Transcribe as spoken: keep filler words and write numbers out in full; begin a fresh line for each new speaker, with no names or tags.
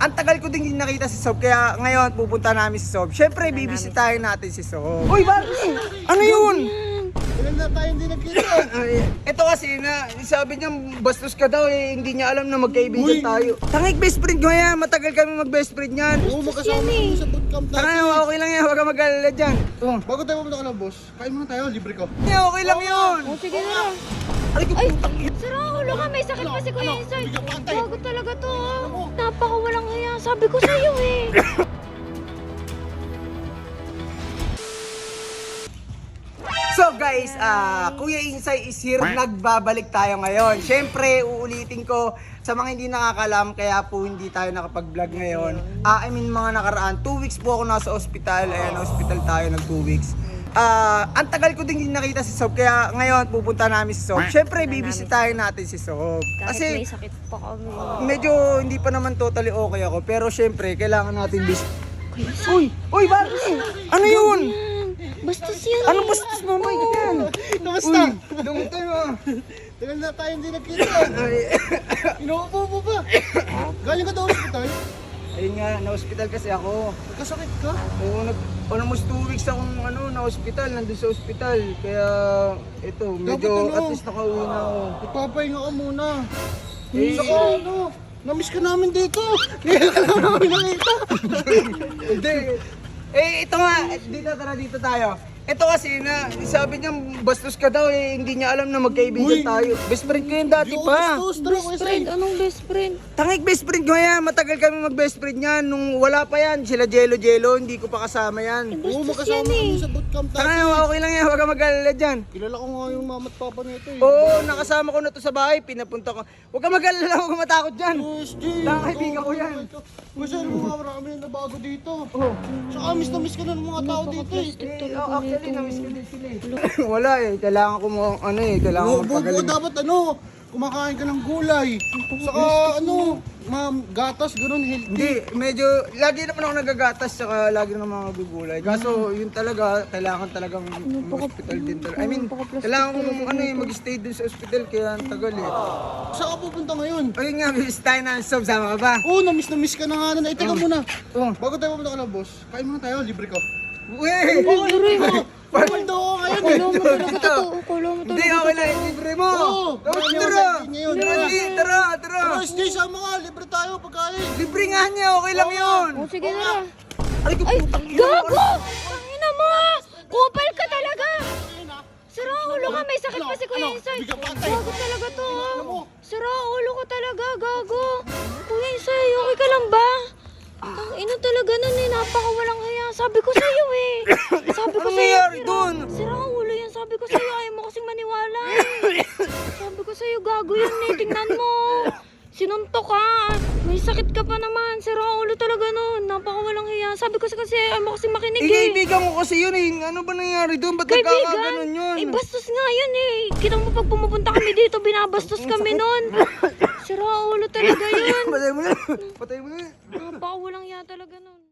ang tagal ko din hindi nakita si Sob, kaya ngayon pupunta namin si Sob. Siyempre, bibisitahin natin si Sob. Uy, bakit? Ano yun?
Ilan na tayo hindi nagkita?
Ay, ito kasi na, sabi niya bastos ka daw eh, hindi niya alam na magkaibigan
Uy.
tayo. Tangik best friend ko yan, matagal kami mag-best friend yan.
Oo, magkasama kami sa bootcamp
Tanga
natin.
na, okay lang yan, huwag ka mag-alala dyan. Oh.
Bago tayo pumunta ka ng boss, kain muna tayo, libre ko.
Yeah, okay lang yun.
Oh, sige na.
Ay,
Ay, sira ulo ka. May sakit pa si Kuya Insoy. Bago talaga to. ah. Napaka walang hiya. Sabi ko sa'yo eh.
So guys, ah Kuya Insay is here. Nagbabalik tayo ngayon. Siyempre, uulitin ko sa mga hindi nakakalam, kaya po hindi tayo nakapag-vlog ngayon. Ah, I mean mga nakaraan, two weeks po ako nasa ospital. Ayan, hospital tayo ng two weeks. Ah, ang tagal ko din hindi nakita si Sob, kaya ngayon pupunta namin si Sob. Siyempre, bibisitahin natin si Sob.
Kahit
Kasi
may sakit pa kami.
medyo hindi pa naman totally okay ako, pero siyempre, kailangan natin bis... Uy! Uy, bakit? Ano yun?
Bastos yan.
Ano bastos mo, Mike? Yan.
Kamusta?
Dumutay mo.
Ilan na tayo hindi nagkita?
Ay,
Inuupo mo ba? Galing ka daw hospital?
ayun nga, na-hospital kasi ako.
Nagkasakit ka?
Oo, nag, almost two weeks akong ano, na-hospital, nandun sa hospital. Kaya, ito, medyo
Dapat ano?
at least nakauwi na ako.
Magpapahinga ka muna.
Eh,
Saka ano, namiss ka namin dito. Kaya ka lang namin nakita.
Hindi. Eh, ito nga, dito, tara dito tayo. Ito kasi na, sabi niya bastos ka daw eh, hindi niya alam na magkaibigan
Uy.
tayo. Best friend ko yun dati
Di ako
pa.
bastos, tara,
Best
Kuya
friend.
Sai.
Anong best friend?
Tangik best friend ko yan, matagal kami mag-best friend yan. Nung wala pa yan, sila Jello Jello, hindi ko pa kasama yan.
Oo,
Bastos
magkasama
yan eh.
kami sa bootcamp
Tanga
natin.
na, okay lang yan, huwag ka mag-alala dyan.
Kilala ko nga yung mama at papa nito eh.
Oo, nakasama ko na to sa bahay, pinapunta ko. Huwag ka mag-alala, huwag ka matakot dyan.
S G,
Tanga, kaibigan ko yan.
Kasi alam mo nga, marami na nabago dito.
Oh.
Saka miss na miss ka na ng mga tao dito eh.
Eh, oh, actually, na-miss ko din sila eh. Wala eh, kailangan ko mo, ano eh, kailangan ko
Oo, buo
magpagaling.
dapat ano, kumakain ka ng gulay. Saka ano, ma'am, gatas, ganun, healthy.
Hindi, medyo, lagi naman ako nagagatas, saka lagi naman ako gugulay. Kaso, yun talaga, kailangan talagang mag-hospital din talaga. I mean, kailangan ko ano eh, mag-stay din sa hospital, kaya ang tagal eh.
Saan ka pupunta ngayon?
Ayun nga, bis tayo na Sob, sama ka ba?
Oo, na-miss na miss ka na nga na. Eh, teka muna.
Oh.
Bago tayo pumunta ka ng boss, kain muna tayo, libre ko.
Uy!
Libre ko! Pumaldo ako ngayon eh.
Kulo mo talaga totoo. Kulo mo
Hindi,
talaga.
okay lang, libre mo!
Oo,
Tara,
marami
tara!
ako sa ngayon.
Tara, di, tara, tara!
Pero S J, sama ka, libre tayo pagkain.
Libre nga niya, okay lang yun!
Oh, sige na.
Ay,
Ay, gago! Tangina mo! Kupal ka talaga! Sira ulo ka. May sakit pa si Kuya Insoy. Gago talaga to. ah. Sira ulo ka talaga. Gago. Kuya Insoy, okay ka lang ba? Ang ina talaga nun eh. Napaka walang hiya. Sabi ko sa'yo eh. Sabi ko
Anong
sa'yo.
nangyari
sira-
dun?
Sira ulo yan. Sabi ko sa'yo. Ayaw mo kasing maniwala eh. Sabi ko sa'yo. Gago yun eh. Tingnan mo. Sinuntok ka. May sakit ka pa naman. Sira ulo talaga nun. Napaka walang hiya. Sabi ko sa kasi ayaw mo kasing makinig
Eh,
eh.
kaibigan ko kasi yun eh. Ano ba nangyari doon? Ba't
Kaibigan?
nagkakaganon yun?
Eh, bastos nga yun eh. Kita mo pag pumupunta kami dito, binabastos kami nun. Sira ulo talaga yun.
Patay mo na. Patay mo na.
Napaka walang hiya talaga nun.